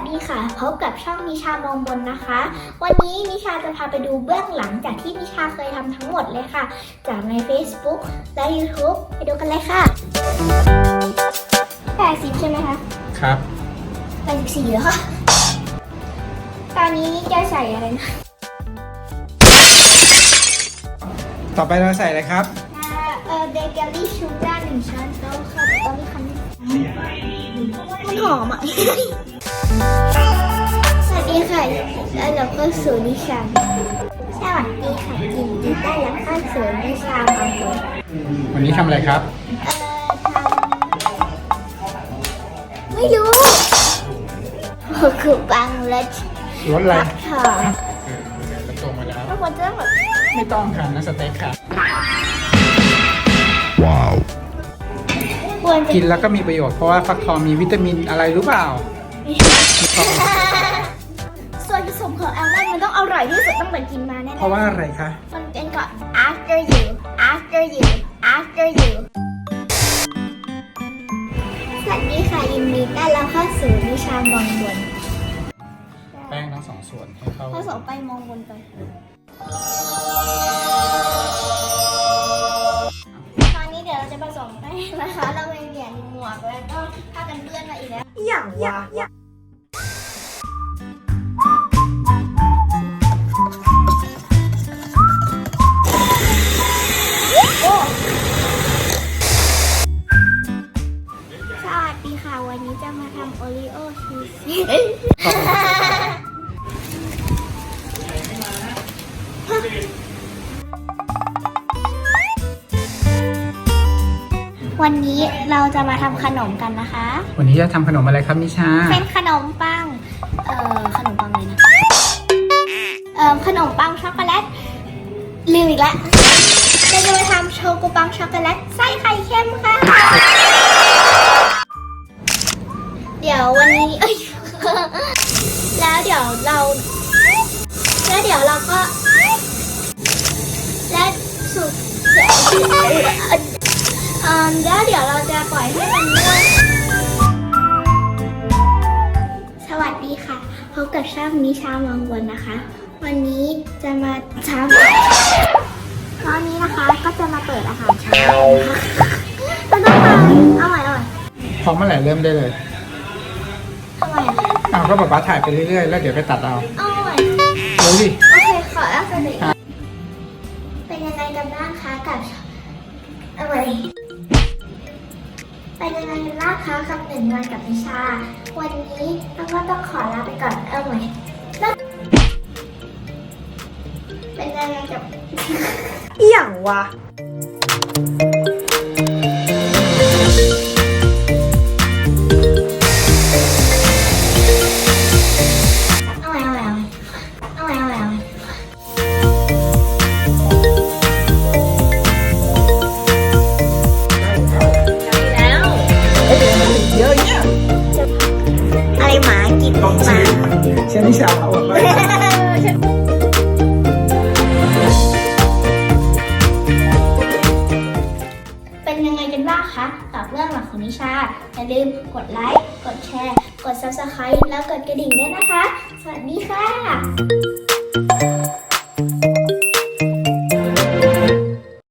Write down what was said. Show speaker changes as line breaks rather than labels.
ดีค่ะพบกับช่องนิชามองบนนะคะ วันนี้นิชาจะพาไปดูเบื้องหลังจากที่นิชาเคยทำทั้งหมดเลยค่ะจากใน Facebook และ YouTube ไปดูกันเลยค่ะ80ใช่ไหมคะ
ครับ
84แล้วค่ะตอนนี้จะใส่อะไรนะ
ต่อไปเราใส่อะไรครับ
เบเกอรี่ชูการ์1 ช้อนโต๊ะค่ะตอนนี้คันมันหอมอ่ะ สวัสดีค่ะแล้วเราก็สู่นิชาสวัสดีค่ะยินดีต้อนรับเข้าสู่นิชาบางคน
วันนี้ทำอะไรครับ
ไม่รู้คือบางรถ
อะไร
ค่ะ
กระตรงมาแล้ว
ทุกคนจะต้องแบบ
ไม่ต้องค่ะนะสเต็กค่ะ
ว้าว
กินแล้วก็มีประโยชน์เพราะว่าฟักทองมีวิตามินอะไรรู้เปล่า
ส่วนผสมของแอลมอนด์มันต้องอร่อยที่สุดต้องเหมือนกินมาแน่ๆ
เพราะว่าอะไรคะ
มันเป็นก็ after you after you after you สวัสดีค่ะยินดีต้อนรับเข้าสู่นิชามองบน
แป้งทั้ง2 ส่วนให้เข้า
ผสมไปมองบนไปตอนนี้เดี๋ยวเราจะผสมแป้งนะคะเราไปเปลี่ยนหมวกแล้วก็ผ้ากันเปื้อนมาอีกแล้ว
อย่างวะ
สวัสดีค่ะวันนี้จะมาทำโอรีโอชีสวันนี้เราจะมาทำขนมกันนะคะ
วันนี้จะทำขนมอะไรครับนิชา
เป็นขนมปังขนมปังเลยนะขนมปังช็อกโกแลตลืมอีกแล้วเราจะมาทำโชกุปังช็อกโกแลตไส้ไข่เค็มค่ะเดี๋ยววันนี้แล้วเดี๋ยวเราก็และสุดแล้วเดี๋ยวเราจะปล่อยให้มันนวดสวัสดีค่ะพบกับช่องนิชามองบนนะคะวันนี้จะมาทำตอนนี้นะคะก็จะมาเปิดอาหารเช้านะคะเราต้องมาเอาใหม่
พร้อมเมื่อไหร่เริ่มได้เลย
ทำไมอ่ะ
ก็ป๊าถ่ายไปเรื่อยๆแล้วเดี๋ยวไปตัดเอา
ใหม่
เร็วดิ
โอเคขอแล้วสนิทเป็นยังไงกันบ้างคะกับอะไรเป็นยังไงกันบ้างคะกับ1 วันกับนิชาวันนี้ต้องขอลาไปก่อนใหม่เป็นยังไงกับ
อย่างวะ
หมากินหมา
เช่นนิชาเอาไป
เป็นยังไงกันบ้างคะกับเรื่องหลักของนิชาอย่าลืมกดไลค์กดแชร์กด Subscribe แล้วกดกระดิ่งด้วยนะคะสวัสดีค่ะ